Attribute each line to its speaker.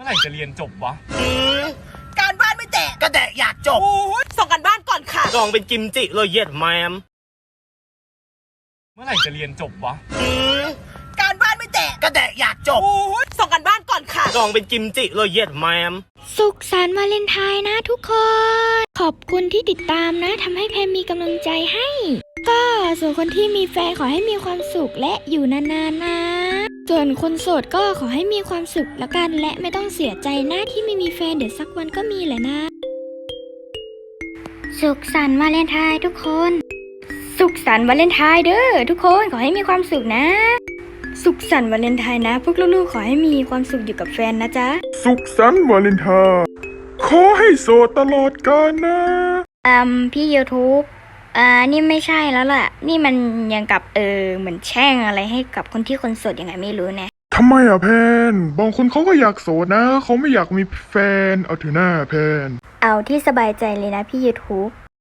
Speaker 1: ไหร่จะเรียนจบวะ
Speaker 2: การบ้านไม่แตะก็แต่อยากจบส่งกันบ้านก่อนค่ะ
Speaker 3: ลองเป็นกิมจิเลยเย็ดแมม
Speaker 1: เมื่อไหร่จะเรียนจบวะ
Speaker 2: การบ้านไม่แตะก็แต่อยากจบส่งกันบ้านก่อนค่ะ
Speaker 3: ลองเป็นกิมจิเลยเย็ดแมม
Speaker 4: สุขสันต์วาเลนไทน์นะทุกคน ขอบคุณที่ติดตามนะทำให้แพมมีกำลังใจให้ ก็ส่วนคนที่มีแฟนขอให้มีความสุขและอยู่นานๆนะส่วนคนโสดก็ขอให้มีความสุขแล้วกันและไม่ต้องเสียใจนะที่ไม่มีแฟนเดี๋ยวสักวันก็มีแหละนะสุขสันต์วาเลนไทน์ทุกคนสุขสันต์วาเลนไทน์เด้อทุกคนขอให้มีความสุขนะสุขสันต์วาเลนไทน์นะพวกลูกๆขอให้มีความสุขอยู่กับแฟนนะจ๊ะ
Speaker 5: สุขสันต์วาเลนไทน์ขอให้โสดตลอดกาลนะ
Speaker 4: พี่ YouTube นี่ไม่ใช่แล้วล่ะนี่มันยังกับเหมือนแช่งอะไรให้กับคนที่คนโสดยังไงไม่รู้นะ
Speaker 5: ทำไมอ่ะแพนบางคนเขาก็อยากโสดนะเขาไม่อยากมีแฟนเอาเถอะหน้าแพน
Speaker 4: เอาที่สบายใจเลยนะพี่ YouTube